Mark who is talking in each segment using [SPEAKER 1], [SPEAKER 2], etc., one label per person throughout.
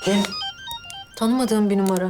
[SPEAKER 1] Kim?
[SPEAKER 2] Tanımadığım bir numara.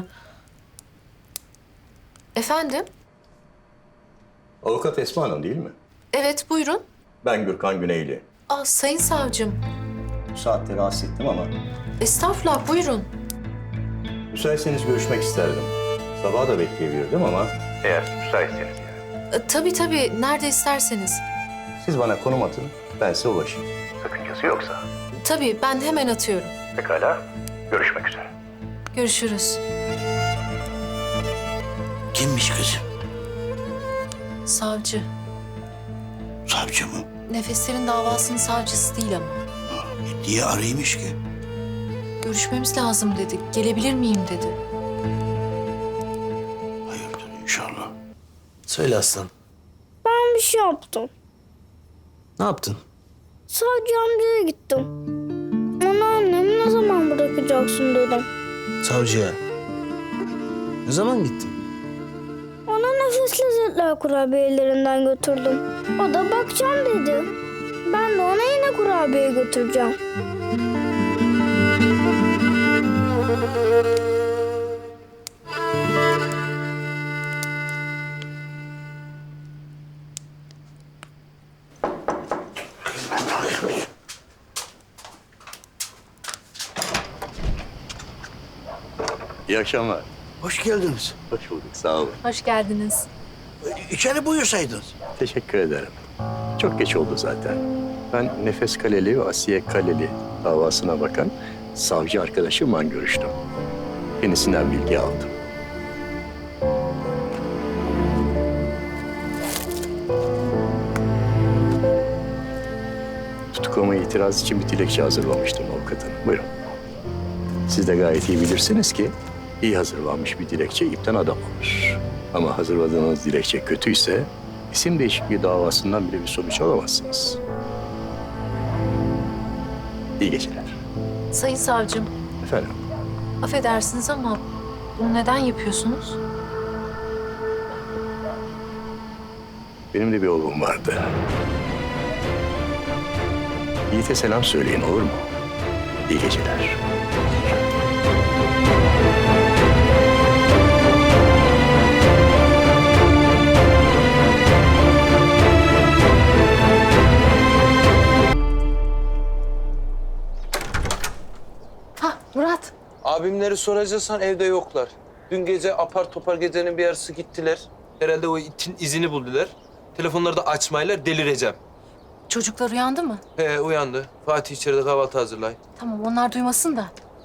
[SPEAKER 2] Efendim?
[SPEAKER 3] Avukat Esma Hanım değil mi?
[SPEAKER 2] Evet, buyurun.
[SPEAKER 3] Ben Gürkan Güneyli.
[SPEAKER 2] Aa, sayın savcım.
[SPEAKER 3] Bu saatte rahatsız ettim ama
[SPEAKER 2] Estağfurullah, buyurun.
[SPEAKER 3] müsaitseniz görüşmek isterdim. Sabaha da bekleyebilirdim ama... Eğer müsaitseniz yani.
[SPEAKER 2] Tabii, nerede isterseniz.
[SPEAKER 3] Siz bana konum atın, ben size ulaşayım. Sakıncası yoksa.
[SPEAKER 2] Tabii, ben hemen atıyorum.
[SPEAKER 3] Pekala, görüşmek üzere.
[SPEAKER 2] Görüşürüz.
[SPEAKER 1] Kimmiş kızım?
[SPEAKER 2] Savcı.
[SPEAKER 1] Savcı mı?
[SPEAKER 2] Nefeslerin davasının savcısı değil ama.
[SPEAKER 1] Niye araymış ki?
[SPEAKER 2] Görüşmemiz lazım dedi. Gelebilir miyim dedi.
[SPEAKER 1] Hayırdır inşallah.
[SPEAKER 4] Söyle aslan.
[SPEAKER 5] Ben bir şey yaptım.
[SPEAKER 4] Ne yaptın?
[SPEAKER 5] Savcı amcaya gittim. Ona annemi ne zaman bırakacaksın dedim.
[SPEAKER 4] Savcıya. Ne zaman gittin?
[SPEAKER 5] Ona nefes lezzetler kurabiyelerinden götürdüm. O da bakacağım dedi. Ben de ona yine kurabiye götüreceğim.
[SPEAKER 3] İyi akşamlar.
[SPEAKER 1] Hoş geldiniz.
[SPEAKER 3] Hoş bulduk, sağ olun.
[SPEAKER 2] Hoş geldiniz.
[SPEAKER 1] İçeri buyursaydınız.
[SPEAKER 3] Teşekkür ederim. Çok geç oldu zaten. Ben Nefes Kaleli ve Asiye Kaleli davasına bakan savcı arkadaşımla görüştüm. Kendisinden bilgi aldım. Tutuklama itiraz için bir dilekçe hazırlamıştım avukatın. Buyurun. Siz de gayet iyi bilirsiniz ki iyi hazırlanmış bir dilekçe ipten adam olur. Ama hazırladığınız dilekçe kötüyse isim değişikliği davasından bile bir sonuç alamazsınız. İyi geceler.
[SPEAKER 2] Sayın savcım,
[SPEAKER 3] Efendim,
[SPEAKER 2] affedersiniz ama bunu neden yapıyorsunuz?
[SPEAKER 3] benim de bir oğlum vardı. Yiğit'e selam söyleyin, olur mu? İyi geceler.
[SPEAKER 2] Hah, Murat.
[SPEAKER 6] Abimleri soracaksan evde yoklar. Dün gece apar topar gecenin bir yarısı gittiler. Herhalde o itin izini buldular. Telefonları da açmaylar, delireceğim.
[SPEAKER 2] Çocuklar uyandı mı?
[SPEAKER 6] Uyandı. Fatih içeride kahvaltı hazırlay.
[SPEAKER 2] Tamam, onlar duymasın da.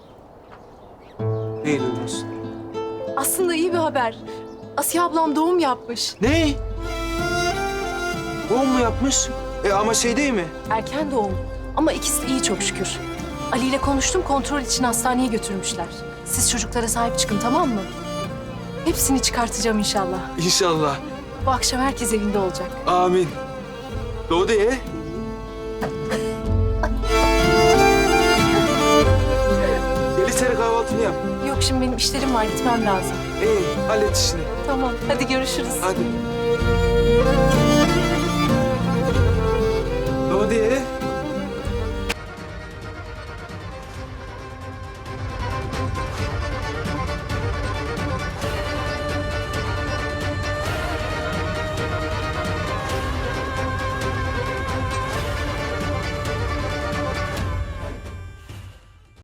[SPEAKER 6] Neyi duymasın?
[SPEAKER 2] Aslında iyi bir haber. Asiye ablam doğum yapmış.
[SPEAKER 6] Ne? Doğum mu yapmış? Ama şey değil mi?
[SPEAKER 2] Erken doğum. Ama ikisi de iyi çok şükür. Ali ile konuştum, kontrol için hastaneye götürmüşler. Siz çocuklara sahip çıkın, tamam mı? Hepsini çıkartacağım inşallah.
[SPEAKER 6] İnşallah.
[SPEAKER 2] Bu akşam herkes evinde olacak.
[SPEAKER 6] Amin. Doğdu ya. Gel içeri kahvaltını yap.
[SPEAKER 2] Yok, şimdi benim işlerim var, gitmem lazım.
[SPEAKER 6] İyi, hallet işini.
[SPEAKER 2] Tamam, hadi görüşürüz.
[SPEAKER 6] Hadi. Doğdu ya.